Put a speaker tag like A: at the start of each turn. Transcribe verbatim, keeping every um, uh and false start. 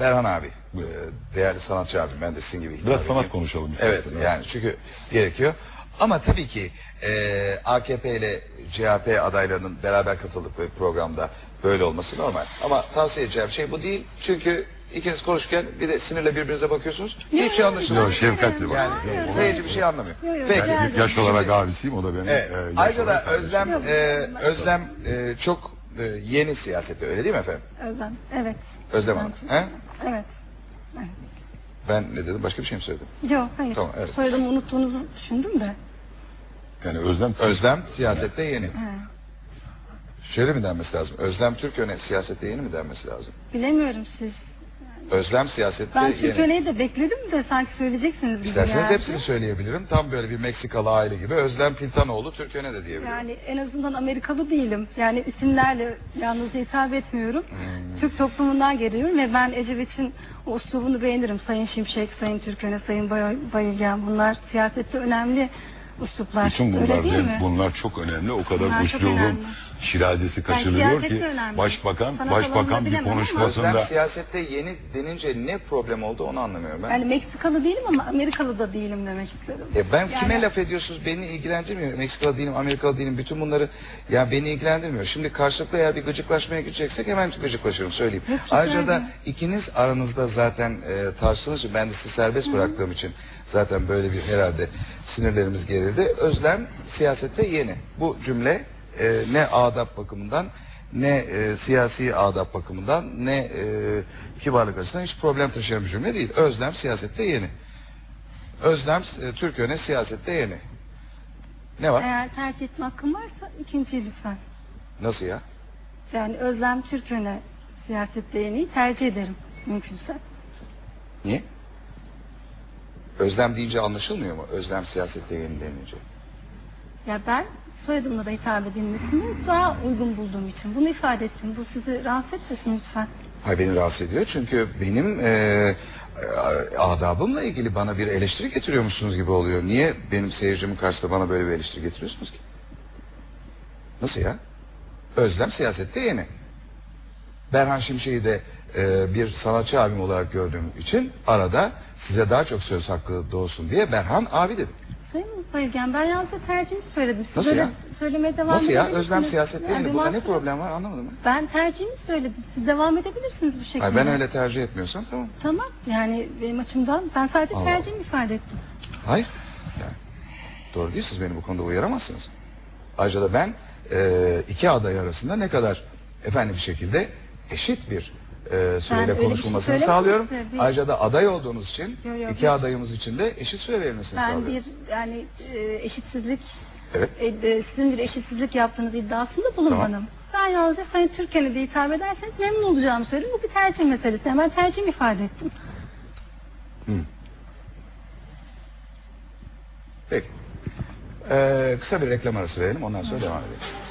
A: Berhan abi, e, değerli sanatçı abim, ben de sizin gibi.
B: Biraz sanat konuşalım
A: Evet,
B: istersen.
A: yani çünkü gerekiyor. Ama tabii ki e, A K P ile C H P adaylarının beraber katıldıkları programda böyle olması normal. Ama tavsiye edeceğim şey bu değil. Çünkü ikiniz konuşurken bir de sinirle birbirinize bakıyorsunuz. Hiçbir şey anlaşılmıyor.
B: Yok, şefkatle bak.
A: Yani
C: Hayır,
A: seyirci bir şey anlamıyor.
C: Yok, yok,
A: Peki.
C: rica
B: Yani yaş
A: Şimdi-
B: olarak abisiyim, o da benim.
A: Evet.
B: e, yaş
A: Ayrıca da
B: olarak kardeşim.
A: Özlem
C: Yok,
A: e,
C: yok.
A: Özlem e, çok e, yeni siyasette, öyle değil mi efendim?
C: Özlem, evet.
A: Özlem Hanım.
C: Çünkü-
A: He?
C: Evet. Evet.
A: Ben ne dedim? Başka bir şey mi söyledim?
C: Yok, hayır.
A: Tamam, evet.
C: Soyadımı unuttuğunuzu düşündüm de.
B: Yani Özlem
A: Özlem siyasette yeni.
C: He.
A: Şöyle mi denmesi lazım? Özlem Türköne siyasette yeni mi denmesi lazım?
C: Bilemiyorum siz.
A: Özlem siyasette
C: Ben
A: yeni.
C: Türkiye'yi de bekledim de sanki söyleyeceksiniz gibi
A: İsterseniz
C: geldi.
A: hepsini söyleyebilirim. Tam böyle bir Meksikalı aile gibi. Özlem Pintanoğlu Türköne de diyebilirim.
C: Yani en azından Amerikalı değilim. Yani isimlerle yalnız hitap etmiyorum.
A: Hmm.
C: Türk toplumundan geliyorum ve ben Ecevit'in o üslubunu beğenirim. Sayın Şimşek, Sayın Türköne, Sayın Bay- Bayılgen, bunlar siyasette önemli üsluplar.
B: bütün
C: Öyle
B: bunlar
C: değil mi?
B: bunlar çok önemli. O kadar
C: Bunlar çok
B: uslubun
C: önemli.
B: şirazesi kaçırılıyor
C: siyasette
B: ki
C: önemli.
B: başbakan
C: Sanat
B: başbakan
C: alanında
B: bir
C: bilemem ama-
A: Özlem
B: konuşmasında
A: siyasette yeni denince ne problem oldu onu anlamıyorum ben.
C: Yani Meksikalı değilim ama Amerikalı da değilim demek istedim.
A: E ben
C: Yani-
A: kime laf ediyorsunuz? Beni ilgilendirmiyor. Meksikalı değilim, Amerikalı değilim. Bütün bunları ya beni ilgilendirmiyor. Şimdi karşılıklı eğer bir gıcıklaşmaya gideceksek hemen gıcıklaşırım, söyleyeyim.
C: Yok, rica
A: Ayrıca da
C: ederim.
A: ikiniz aranızda zaten e, tartıştığınız için, ben de sizi serbest bıraktığım için zaten böyle bir herhalde sinirlerimiz gerildi. Özlem siyasette yeni. Bu cümle e, ne adap bakımından, ne e, siyasi adap bakımından, ne e, kibarlık açısından hiç problem taşıyan bir cümle değil. Özlem siyasette yeni. Özlem e, Türköne siyasette yeni. Ne var?
C: Eğer tercih etme hakkım varsa ikinciyi lütfen.
A: Nasıl ya?
C: Yani Özlem Türköne siyasette yeniyi tercih ederim mümkünse.
A: Niye? Özlem deyince anlaşılmıyor mu? Özlem siyasette yeni denince.
C: Ya ben soyadımla da hitap edilmesini daha uygun bulduğum için bunu ifade ettim. Bu sizi rahatsız etmesin lütfen.
A: Hayır, beni rahatsız ediyor çünkü benim e, e, adabımla ilgili bana bir eleştiri getiriyormuşsunuz gibi oluyor. Niye benim seyircimin karşısında bana böyle bir eleştiri getiriyorsunuz ki? Nasıl ya? Özlem siyasette yeni. Berhan Şimşek'i de e, bir sanatçı abim olarak gördüğüm için arada size daha çok söz hakkı doğsun diye Berhan abi dedim.
C: Sayın Bayılgen, ben yalnızca tercihimi söyledim. Siz
A: Nasıl
C: böyle
A: ya?
C: söylemeye devam
A: Nasıl ya?
C: edebilirsiniz.
A: Özlem siyasette
C: Yani
A: yeni.
C: bir
A: Burada ne
C: mahsur-
A: problem var anlamadım ben.
C: Ben tercihimi söyledim. Siz devam edebilirsiniz bu şekilde.
A: Hayır, ben öyle tercih etmiyorsam tamam.
C: Tamam, yani benim açımdan ben sadece
A: Allah
C: tercihimi ifade ettim.
A: Hayır. Yani, doğru değil, siz beni bu konuda uyaramazsınız. Ayrıca da ben e, iki aday arasında ne kadar efendim bir şekilde eşit bir e, süreyle
C: öyle bir şey
A: konuşulmasını
C: söylemedim
A: sağlıyorum.
C: size. Bir-
A: Ayrıca da aday olduğunuz için
C: Yo, yo,
A: iki
C: bir-
A: adayımız için de eşit süre verilmesini
C: Ben
A: sağlıyorum.
C: bir yani e, eşitsizlik,
A: Evet.
C: e, e, sizin bir eşitsizlik yaptığınız iddiasında bulunmadım. Ben yalnızca Sayın Türkan'a de hitap ederseniz memnun olacağımı söyledim. Bu bir tercih meselesi. Yani ben tercihimi ifade ettim.
A: Peki. Ee, kısa bir reklam arası verelim, ondan sonra devam edelim.